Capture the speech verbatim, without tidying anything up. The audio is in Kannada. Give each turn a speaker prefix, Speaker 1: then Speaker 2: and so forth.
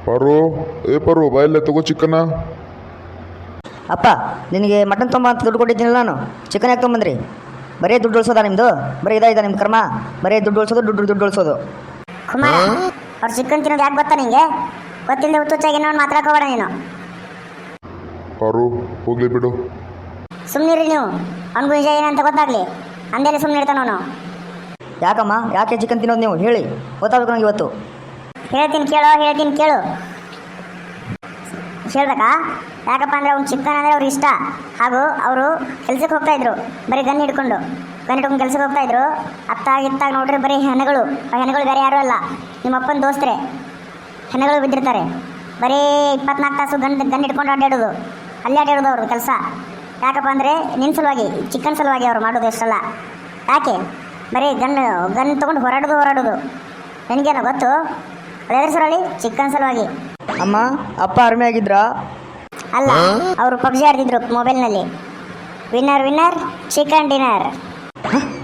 Speaker 1: ಪರು ಏ ಪರು ಬಾಯಲ್ಲೇ ತಗೋ ಚಿಕ್ಕನ.
Speaker 2: ಅಪ್ಪ ನಿನಗೆ ಮಟನ್ ತೊಂಬ ಅಂತ ದುಡ್ಡು ಕೊಟ್ಟಿದ್ದೀನಲ್ಲ ನಾನು, ಚಿಕನ್ ಯಾಕೆ ತೊಗೊಂಬಂದ್ರಿ? ಬರೀ ದುಡ್ಡು ಉಳಿಸೋದಾ ನಿಮ್ಮದು? ಬರೀ ಇದಾಯ್ತಾ ನಿಮ್ಮ ಕರ್ಮ? ಬರೀ ದುಡ್ಡು ಉಳಿಸೋದು ದುಡ್ಡು ದುಡ್ಡು ಉಳಿಸೋದು.
Speaker 3: ಕುಮಾರ, ಅವ್ರು ಚಿಕನ್ ತಿನ್ನೋದು ಯಾಕೆ ಗೊತ್ತಾ ನಿಂಗೆ? ಗೊತ್ತಿಲ್ಲದೆ ಹುಚ್ಚುಚ್ಚಾಗಿ ನೋಡಿ ಮಾತಾಡಕೋಬೇಡ ನೀನು.
Speaker 1: ಪರು ಹೋಗ್ಲಿ ಬಿಡು.
Speaker 3: ಸುಮ್ಮನಿರಿ ನೀವು, ಅವ್ನಿಗೂ ನಿಜ ಏನಂತ ಗೊತ್ತಾಗ್ಲಿ ಅಂದೇಲಿ ಸುಮ್ಮನೆ ಇರ್ತಾನ ಅವನು.
Speaker 2: ಯಾಕಮ್ಮ ಯಾಕೆ ಚಿಕನ್ ತಿನ್ನೋದು ನೀವು ಹೇಳಿ, ಗೊತ್ತಾಗಬೇಕು ನನಗೆ ಇವತ್ತು.
Speaker 3: ಹೇಳ್ತೀನಿ ಕೇಳೋ, ಹೇಳ್ತೀನಿ ಕೇಳು. ಹೇಳ್ಬೇಕಾ? ಯಾಕಪ್ಪ ಅಂದರೆ ಅವ್ನು ಚಿಕನ್ ಅಂದರೆ ಅವ್ರಿಗೆ ಇಷ್ಟ. ಹಾಗೂ ಅವರು ಕೆಲ್ಸಕ್ಕೆ ಹೋಗ್ತಾಯಿದ್ರು ಬರೀ ಗನ್ ಹಿಡ್ಕೊಂಡು ಗನ್ ಹಿಡ್ಕೊಂಡು ಕೆಲ್ಸಕ್ಕೆ ಹೋಗ್ತಾಯಿದ್ರು. ಅತ್ತಾಗ ಇತ್ತಾಗ ನೋಡ್ರಿ ಬರೀ ಹೆಣಗಳು. ಆ ಹೆಣಗಳು ಬೇರೆ ಯಾರೂ ಅಲ್ಲ, ನಿಮ್ಮ ಅಪ್ಪನ ದೋಸ್ತರೆ ಹೆಣಗಳು ಬಿದ್ದಿರ್ತಾರೆ. ಬರೀ ಇಪ್ಪತ್ನಾಲ್ಕು ತಾಸು ಗನ್ ಗನ್ ಹಿಡ್ಕೊಂಡು ಅಡ್ಡಾಡೋದು, ಅಲ್ಲಿ ಅಡ್ಡಾಡೋದು ಅವ್ರದ್ದು ಕೆಲಸ. ಯಾಕಪ್ಪ ಅಂದರೆ ನಿನ್ನ ಸಲುವಾಗಿ, ಚಿಕನ್ ಸಲುವಾಗಿ ಅವ್ರು ಮಾಡೋದು ಇಷ್ಟಲ್ಲ. ಯಾಕೆ ಬರೀ ಗನ್ ಗನ್ ತೊಗೊಂಡು ಹೊರಡೋದು ಹೊರಡೋದು ನನಗೇನೋ ಗೊತ್ತು. ಅದೇ ಸರಲ್ಲಿ ಚಿಕನ್ ಸಲುವಾಗಿ.
Speaker 2: ಅಮ್ಮ ಅಪ್ಪ ಆರ್ಮಿ ಆಗಿದ್ರಾ?
Speaker 3: ಅಲ್ಲ, ಅವರು ಪಬ್ಜಿ ಆಡ್ತಿದ್ರು ಮೊಬೈಲ್ನಲ್ಲಿ. Winner winner chicken dinner.